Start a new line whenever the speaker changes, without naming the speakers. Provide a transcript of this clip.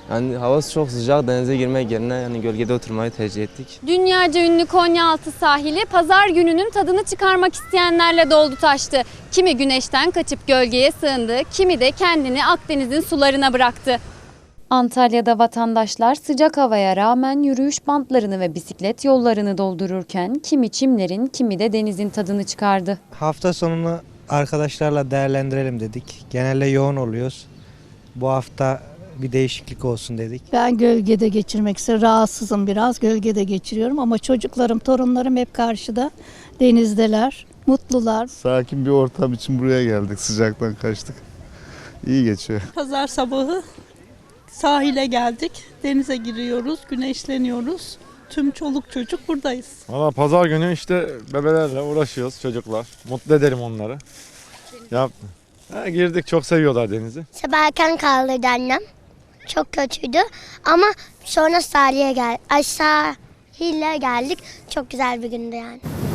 Yani havası çok sıcak, denize girmek yerine yani gölgede oturmayı tercih ettik.
Dünyaca ünlü Konyaaltı sahili pazar gününün tadını çıkarmak isteyenlerle doldu taştı. Kimi güneşten kaçıp gölgeye sığındı, kimi de kendini Akdeniz'in sularına bıraktı. Antalya'da vatandaşlar sıcak havaya rağmen yürüyüş bantlarını ve bisiklet yollarını doldururken kimi çimlerin, kimi de denizin tadını çıkardı.
Hafta sonunu arkadaşlarla değerlendirelim dedik. Genelde yoğun oluyoruz. Bu hafta bir değişiklik olsun dedik.
Ben gölgede geçirmek istiyorum. Rahatsızım biraz. Gölgede geçiriyorum ama çocuklarım, torunlarım hep karşıda. Denizdeler. Mutlular.
Sakin bir ortam için buraya geldik. Sıcaktan kaçtık. İyi geçiyor.
Pazar sabahı sahile geldik. Denize giriyoruz, güneşleniyoruz. Tüm çoluk çocuk buradayız.
Valla pazar günü işte bebelerle uğraşıyoruz, çocuklar. Mutlu edelim onları. Girdik, çok seviyorlar denizi.
Sabah erken kaldırdı annem. Çok kötüydü ama sonra sahile geldik. Sahile geldik. Çok güzel bir gündü yani.